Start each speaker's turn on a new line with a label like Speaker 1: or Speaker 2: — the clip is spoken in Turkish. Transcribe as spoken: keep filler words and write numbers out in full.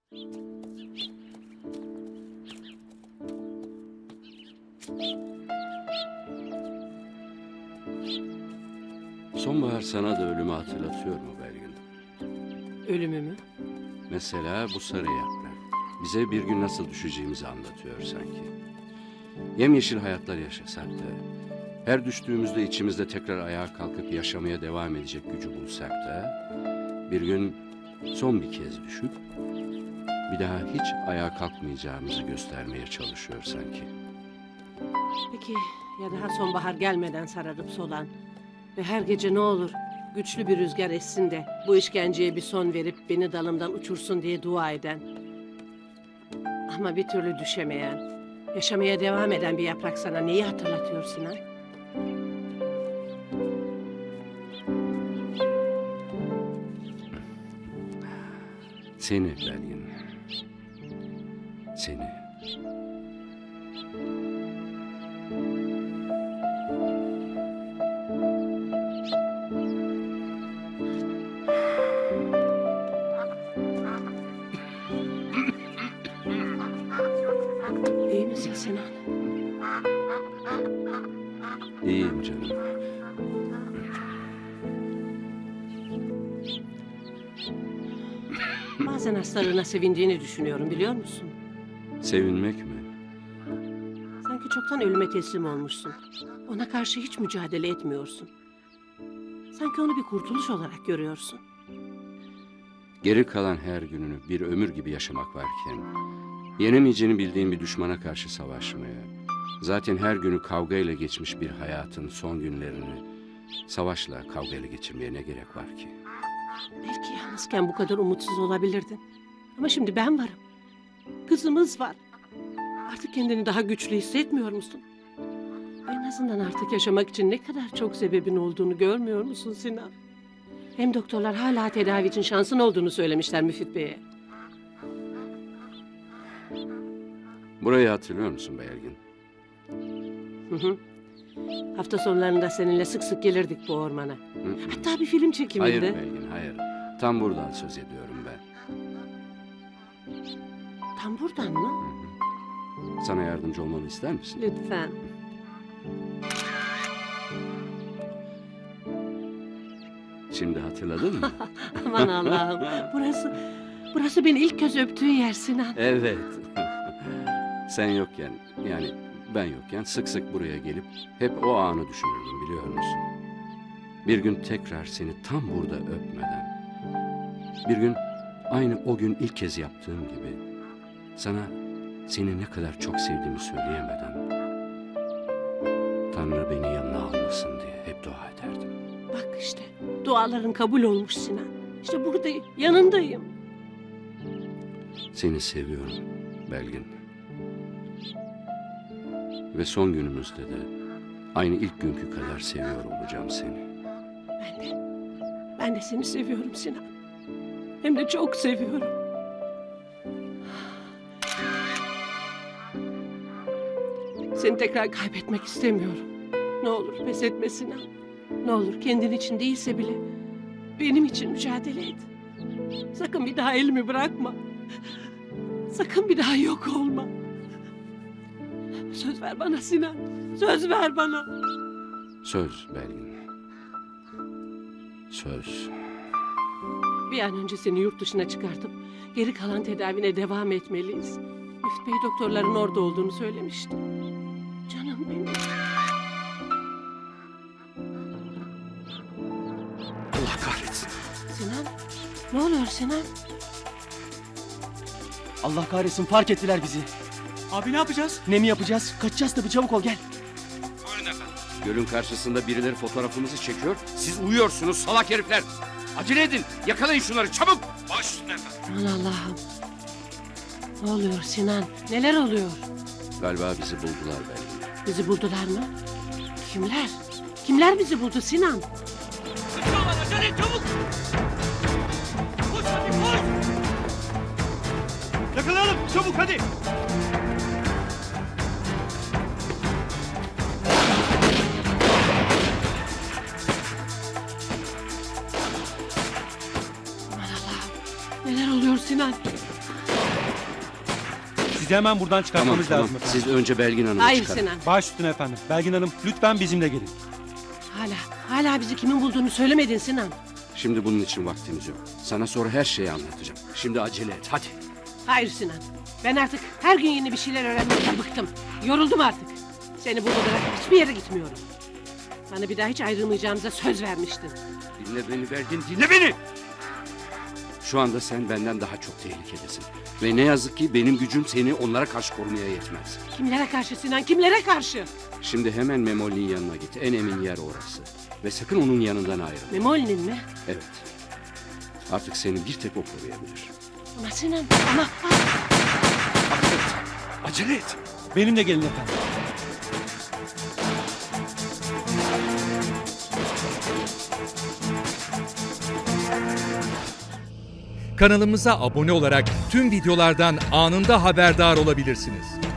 Speaker 1: Sonbahar sana da ölümü hatırlatıyor mu Belgin?
Speaker 2: Ölümü mü?
Speaker 1: Mesela bu sarı yaprak. Bize bir gün nasıl düşeceğimizi anlatıyor sanki. Yemyeşil hayatlar yaşasak da, her düştüğümüzde içimizde tekrar ayağa kalkıp yaşamaya devam edecek gücü bulsak da, bir gün son bir kez düşüp, bir daha hiç ayağa kalkmayacağımızı göstermeye çalışıyor sanki.
Speaker 2: Peki ya daha sonbahar gelmeden sararıp solan ve her gece ne olur güçlü bir rüzgar essin de bu işkenceye bir son verip beni dalımdan uçursun diye dua eden ama bir türlü düşemeyen, yaşamaya devam eden bir yaprak sana neyi hatırlatıyor Sinan?
Speaker 1: Seni Belgin. Seni.
Speaker 2: İyi misin Sinan?
Speaker 1: İyiyim canım.
Speaker 2: Bazen hastalığına sevindiğini düşünüyorum biliyor musun?
Speaker 1: Sevinmek mi?
Speaker 2: Sanki çoktan ölüme teslim olmuşsun. Ona karşı hiç mücadele etmiyorsun. Sanki onu bir kurtuluş olarak görüyorsun.
Speaker 1: Geri kalan her gününü bir ömür gibi yaşamak varken, yenemeyeceğini bildiğin bir düşmana karşı savaşmaya, zaten her günü kavgayla geçmiş bir hayatın son günlerini savaşla, kavgayla geçirmeye ne gerek var ki?
Speaker 2: Belki yalnızken bu kadar umutsuz olabilirdin. Ama şimdi ben varım. Kızımız var. Artık kendini daha güçlü hissetmiyor musun? En azından artık yaşamak için ne kadar çok sebebin olduğunu görmüyor musun Sinan? Hem doktorlar hala tedavi için şansın olduğunu söylemişler Müfit Bey'e.
Speaker 1: Burayı hatırlıyor musun Belgin?
Speaker 2: Hı hı. Hafta sonlarında seninle sık sık gelirdik bu ormana.
Speaker 1: Hı hı.
Speaker 2: Hatta bir film çekiminde.
Speaker 1: Hayır Belgin, hayır. Tam buradan söz ediyorum ben.
Speaker 2: Tam buradan mı?
Speaker 1: Sana yardımcı olmamı ister misin?
Speaker 2: Lütfen.
Speaker 1: Şimdi hatırladın mı?
Speaker 2: Aman Allah'ım. Burası, burası beni ilk kez öptüğün yer Sinan.
Speaker 1: Evet. Sen yokken, yani ben yokken sık sık buraya gelip hep o anı düşünürdüm biliyor musun? Bir gün tekrar seni tam burada öpmeden, bir gün aynı o gün ilk kez yaptığım gibi sana seni ne kadar çok sevdiğimi söyleyemeden Tanrı beni yanına almasın diye hep dua ederdim.
Speaker 2: Bak işte duaların kabul olmuş Sinan. İşte buradayım, yanındayım.
Speaker 1: Seni seviyorum Belgin. Ve son günümüzde de aynı ilk günkü kadar seviyor olacağım seni.
Speaker 2: Ben de, ben de seni seviyorum Sinan. Hem de çok seviyorum. Seni tekrar kaybetmek istemiyorum. Ne olur pes etme Sinan. Ne olur kendin için değilse bile benim için mücadele et. Sakın bir daha elimi bırakma. Sakın bir daha yok olma. Söz ver bana Sinan. Söz ver bana.
Speaker 1: Söz Belgin. Söz.
Speaker 2: Bir an önce seni yurt dışına çıkartıp geri kalan tedavine devam etmeliyiz. Müftü Bey doktorların orada olduğunu söylemişti. Canım benim.
Speaker 3: Allah kahretsin.
Speaker 2: Sinan, ne oluyor Sinan?
Speaker 3: Allah kahretsin, fark ettiler bizi.
Speaker 4: Abi ne yapacağız?
Speaker 3: Ne mi yapacağız? Kaçacağız tabii, çabuk ol gel.
Speaker 1: Gölün karşısında birileri fotoğrafımızı çekiyor. Siz uyuyorsunuz salak herifler. Acele edin. Yakalayın şunları çabuk.
Speaker 4: Baş üstüne efendim.
Speaker 2: Aman Allah'ım. Ne oluyor Sinan? Neler oluyor?
Speaker 1: Galiba bizi buldular Belgin.
Speaker 2: Bizi buldular mı? Kimler? Kimler bizi buldu Sinan?
Speaker 4: Sıkıyorlar, acele et çabuk. Koş hadi koş. Yakalayalım çabuk hadi.
Speaker 2: Aman Allah'ım. Neler oluyor Sinan?
Speaker 5: Bizi hemen buradan
Speaker 1: Tamam
Speaker 5: çıkartmamız
Speaker 1: tamam.
Speaker 5: lazım efendim.
Speaker 1: Siz önce Belgin Hanım'ı
Speaker 2: Hayır
Speaker 1: çıkarın.
Speaker 2: Sinan.
Speaker 5: Baş üstüne efendim. Belgin Hanım lütfen bizimle gelin.
Speaker 2: Hala, hala bizi kimin bulduğunu söylemedin Sinan.
Speaker 1: Şimdi bunun için vaktimiz yok. Sana sonra her şeyi anlatacağım. Şimdi acele et hadi.
Speaker 2: Hayır Sinan. Ben artık her gün yeni bir şeyler öğrenmekten bıktım. Yoruldum artık. Seni burada bırakıp hiçbir yere gitmiyorum. Bana bir daha hiç ayrılmayacağımıza söz vermiştin.
Speaker 1: Dinle beni Belgin, dinle beni! Şu anda sen benden daha çok tehlikedesin. Ve ne yazık ki benim gücüm seni onlara karşı korumaya yetmez.
Speaker 2: Kimlere karşı Sinan, kimlere karşı?
Speaker 1: Şimdi hemen Memoli'nin yanına git. En emin yer orası. Ve sakın onun yanından ayrılma.
Speaker 2: Memoli'nin mi?
Speaker 1: Evet. Artık seni bir tek o koruyabilir.
Speaker 2: Ama Sinan, ama...
Speaker 1: Acele et.
Speaker 5: Benimle gelin efendim.
Speaker 6: Kanalımıza abone olarak tüm videolardan anında haberdar olabilirsiniz.